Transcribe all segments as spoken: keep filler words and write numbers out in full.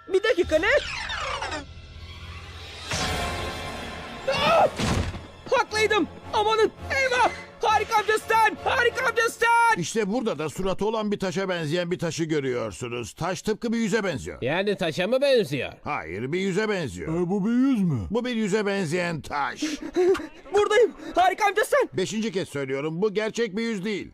Bir dakika ne? Aa! Haklıydım. Amanın eyvah. Harika amca Stan. Harika amca Stan. İşte burada da suratı olan bir taşa benzeyen bir taşı görüyorsunuz. Taş tıpkı bir yüze benziyor. Yani taşa mı benziyor? Hayır, bir yüze benziyor. E, bu bir yüz mü? Bu bir yüze benzeyen taş. Buradayım. Harika amca Stan. Beşinci kez söylüyorum, bu gerçek bir yüz değil.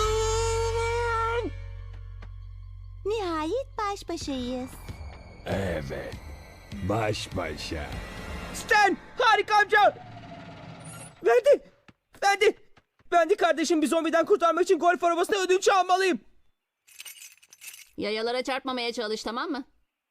Nihayet baş başayız. Evet. Baş başa. Stan. Harika amca. Verdi. Verdi. Verdi kardeşim, bir zombiden kurtarmak için golf arabasına ödünç almalıyım. Yayalara çarpmamaya çalış, tamam mı?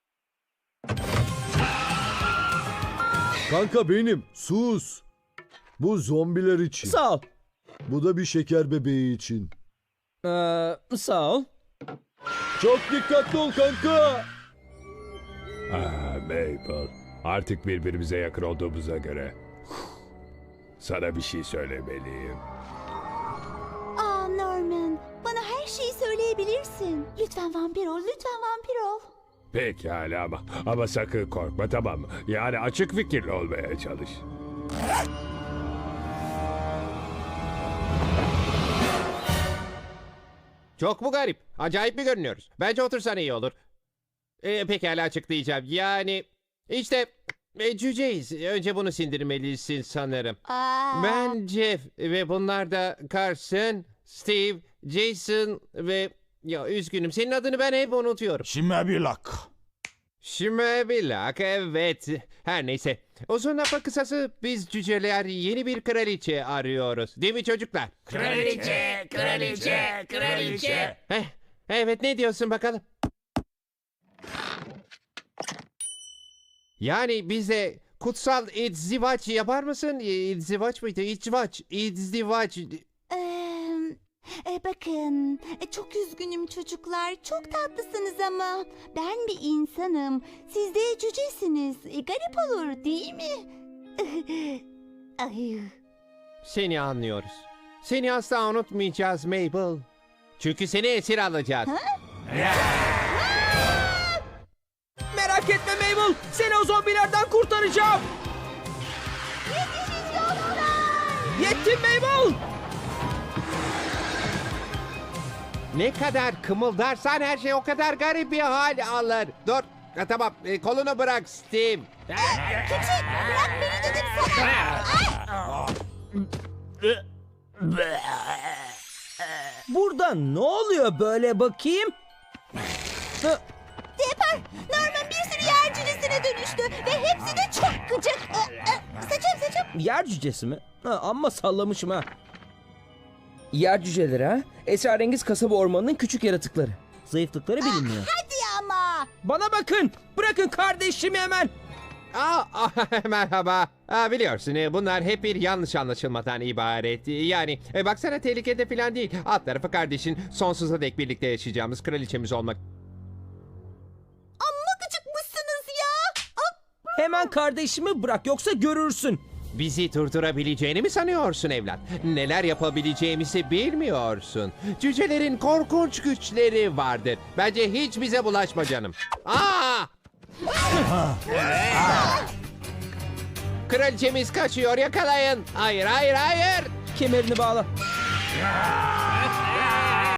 Kanka benim. Sus. Bu zombiler için. Sağ ol. Bu da bir şeker bebeği için. Ee, sağ ol. Çok dikkatli ol kanka. Ah Maple. Artık birbirimize yakın olduğumuza göre sana bir şey söylemeliyim. Aa Norman, bana her şeyi söyleyebilirsin. Lütfen vampir ol, lütfen vampir ol. Pekala ama ama sakın korkma, tamam mı? Yani açık fikirli olmaya çalış. Çok mu garip? Acayip mi görünüyoruz? Bence otursan iyi olur. Ee, pekala açıklayacağım. Yani işte e, cüceyiz. Önce bunu sindirmelisin sanırım. Aa, Ben Jeff ve bunlar da Carson, Steve, Jason ve... Ya üzgünüm, senin adını ben hep unutuyorum. Şimebilak. Şimebilak, evet. Her neyse. Uzun lafın kısası biz cüceler yeni bir kraliçe arıyoruz. Değil mi çocuklar? Kraliçe, kraliçe, kraliçe. Heh, evet, ne diyorsun bakalım? Yani bize kutsal izdivaç yapar mısın? İzdivaç mıydı? İzdivaç, izdivaç. eee, e, bakın, e, çok üzgünüm çocuklar. Çok tatlısınız ama ben bir insanım. Siz de cücesiniz. E, garip olur değil mi? Ay. Seni anlıyoruz. Seni asla unutmayacağız Mabel. Çünkü seni esir alacağız. Merak etme Mabel. Seni o zombilerden kurtaracağım. Yettim Mabel. Ne kadar kımıldarsan her şey o kadar garip bir hal alır. Dur. Ha, tamam, e, kolunu bırak Steve. Küçük, bırak beni dedim sana. Burada ne oluyor böyle bakayım? Hı, Depar, Norman bir sürü yer cücesine dönüştü ve hepsi de çok gıcık. Ee, e, Saçım saçım. yer cücesi mi? Ha, amma sallamışım ha. Yer cüceleri ha? Esrarengiz kasaba ormanının küçük yaratıkları. Zayıflıkları bilinmiyor. Hadi ama. Bana bakın. Bırakın kardeşimi hemen. Aa, aa, merhaba. Aa, biliyorsun e, bunlar hep bir yanlış anlaşılmadan ibaret. Yani e, baksana tehlikede falan değil. Alt tarafı kardeşin sonsuza dek birlikte yaşayacağımız kraliçemiz olmak. Amma gıcıkmışsınız ya. Aa, Hemen kardeşimi bırak yoksa görürsün. Bizi durdurabileceğini mi sanıyorsun evlat? Neler yapabileceğimizi bilmiyorsun. Cücelerin korkunç güçleri vardır. Bence hiç bize bulaşma canım. Aa! Kraliçemiz kaçıyor, yakalayın. Hayır, hayır, hayır. Kemerini bağla.